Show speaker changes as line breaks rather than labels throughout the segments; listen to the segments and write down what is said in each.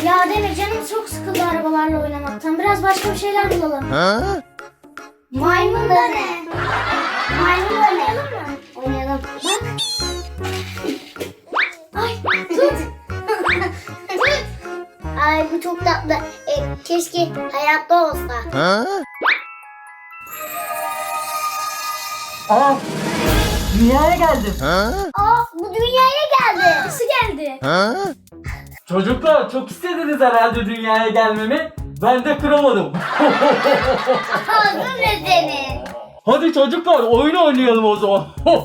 Ya Demir, canım çok sıkıldı arabalarla oynamaktan. Biraz başka bir şeyler bulalım. Maymun da ne? Maymun oynayalım mı? Oynayalım. Bak. Ay tut. Tut. Ay bu çok tatlı. Keşke hayatta olsa.
Aa, dünyaya geldim.
Aa, bu dünyaya geldi. Nasıl geldi?
Çocuklar çok istediniz herhalde dünyaya gelmemi. Ben de kıramadım.
Ağzın ne senin?
Hadi çocuklar oyun oynayalım o zaman.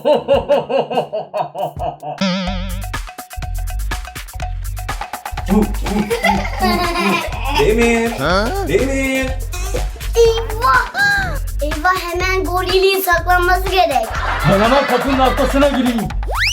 Demir. Demir.
Eyvah. Eyvah, hemen gorilin saklanması gerek.
Ben hemen kapının arkasına gireyim.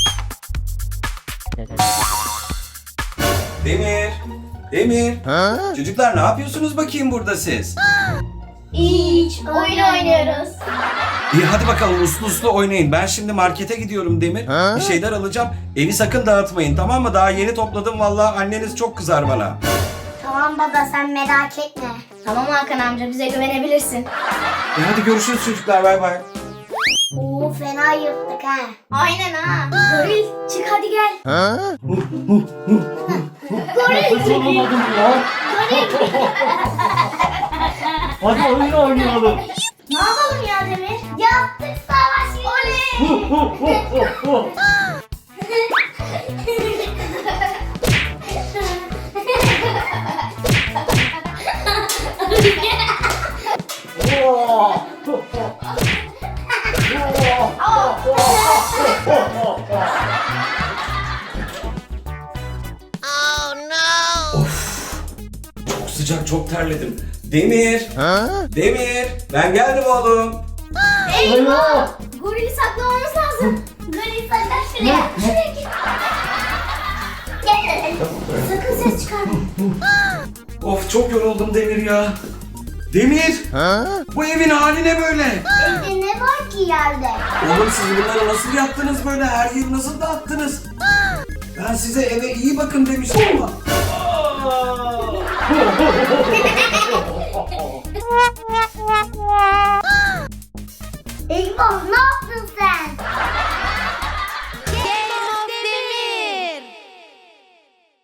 Demir. Demir. Çocuklar ne yapıyorsunuz bakayım burada siz?
Hiç. Oyun oynuyoruz.
İyi hadi bakalım uslu uslu oynayın. Ben şimdi markete gidiyorum Demir. Bir şeyler alacağım. Evi sakın dağıtmayın, tamam mı? Daha yeni topladım vallahi, anneniz çok kızar bana.
Tamam baba, sen merak etme. Tamam Hakan amca, bize güvenebilirsin.
Hadi görüşürüz çocuklar, bay bay.
Oo, fena yırttık ha. Aynen ha. Goril çık hadi gel. Goril
Hiç olamadım ya. Hadi oyun oynayalım.
Ne yapalım ya Demir? Yaptık savaş. Oley.
Çok sıcak, çok terledim. Demir. Demir. Ben geldim oğlum.
Eyvah! Gorili saklamamız lazım. Goril saklan şuraya. Şuraya git. Gel. Sakın ses çıkarma.
Of çok yoruldum Demir ya. Demir. Bu evin hali ne böyle?
Evde ne var ki yerde?
Oğlum siz bunları nasıl yaptınız böyle? Her yeri nasıl dağıttınız? Ben size eve iyi bakın demiştim ama.
Eyvah, ne